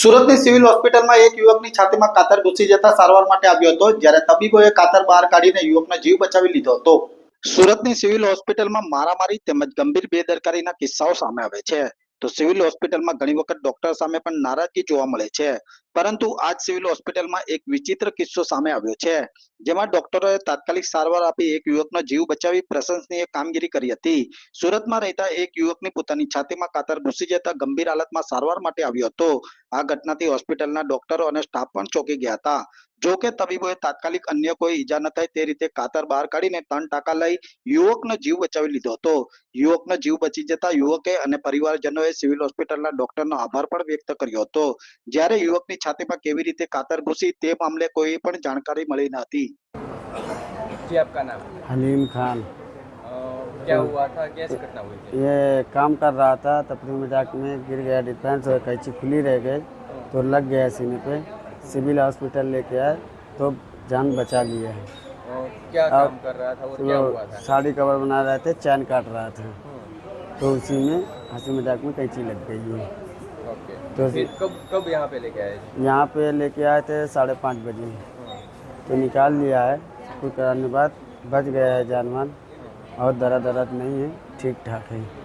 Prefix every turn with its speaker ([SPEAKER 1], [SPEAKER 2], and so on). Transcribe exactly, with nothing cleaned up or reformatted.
[SPEAKER 1] સુરતની સિવિલ હોસ્પિટલમાં એક યુવકની છાતીમાં કાતર ઘૂસી જતા સારવાર માટે આવ્યો હતો, જ્યારે તબીબોએ કાતર બહાર કાઢીને યુવકનો જીવ બચાવી લીધો હતો। સુરતની સિવિલ હોસ્પિટલમાં મારામારી તેમજ ગંભીર બેદરકારીના કિસ્સાઓ સામે આવે છે, તો સિવિલ હોસ્પિટલમાં ઘણી વખત ડોક્ટર સામે પણ નારાજગી જોવા મળે છે, પરંતુ આજ સિવિલ હોસ્પિટલમાં એક વિચિત્ર કિસ્સો સામે આવ્યો છે, જેમાં ડોક્ટરોએ તાત્કાલિક સારવાર આપી એક યુવકનો જીવ બચાવી પ્રશંસનીય કામગીરી કરી હતી। સુરતમાં રહેતા એક યુવકની પોતાની છાતીમાં કાતર ઘૂસી જતા ગંભીર હાલતમાં સારવાર માટે આવ્યો હતો। આ ઘટનાથી હોસ્પિટલના ડોક્ટરો અને સ્ટાફ પણ ચોંકી ગયા હતા। જો કે તબીબોએ તાત્કાલિક અન્ય કોઈ ઈજા ન થાય તે રીતે કાતર બહાર કાઢીને ત્રણ ટાંકા લઈ યુવકનો જીવ બચાવી લીધો હતો। યુવકનો જીવ બચી જતા યુવકે અને પરિવારજનોએ સિવિલ હોસ્પિટલના ડોક્ટરનો આભાર પણ વ્યક્ત કર્યો હતો। જ્યારે યુવકની છાતીમાં કેવી રીતે કાતર ઘૂસી તે મામલે કોઈ પણ જાણકારી મળી ન હતી।
[SPEAKER 2] जी, आपका नाम?
[SPEAKER 3] हलीम खान।
[SPEAKER 2] अ, क्या हुआ था, कैसी घटना हुई थी?
[SPEAKER 3] ये काम कर रहा था, तपरी मजाक में गिर गया डिफेंस और कैंची खुली रह गई तो लग गया सीने पे। सिविल हॉस्पिटल लेके आए तो जान बचा लिया है।
[SPEAKER 2] अ, क्या
[SPEAKER 3] अब
[SPEAKER 2] काम कर रहा था और क्या हुआ था?
[SPEAKER 3] साड़ी कवर बना रहे थे, चैन काट रहा था तो उसी में हंसी मजाक में कैंची लग गई है।
[SPEAKER 2] ओके,
[SPEAKER 3] तो
[SPEAKER 2] फिर कब कब यहाँ पे लेके आए?
[SPEAKER 3] यहाँ पे लेके आए थे साढ़े पाँच बजे तो निकाल लिया है। कुछ कराने के बाद बच गया है जानवर और दर्द दर्द नहीं है, ठीक ठाक है।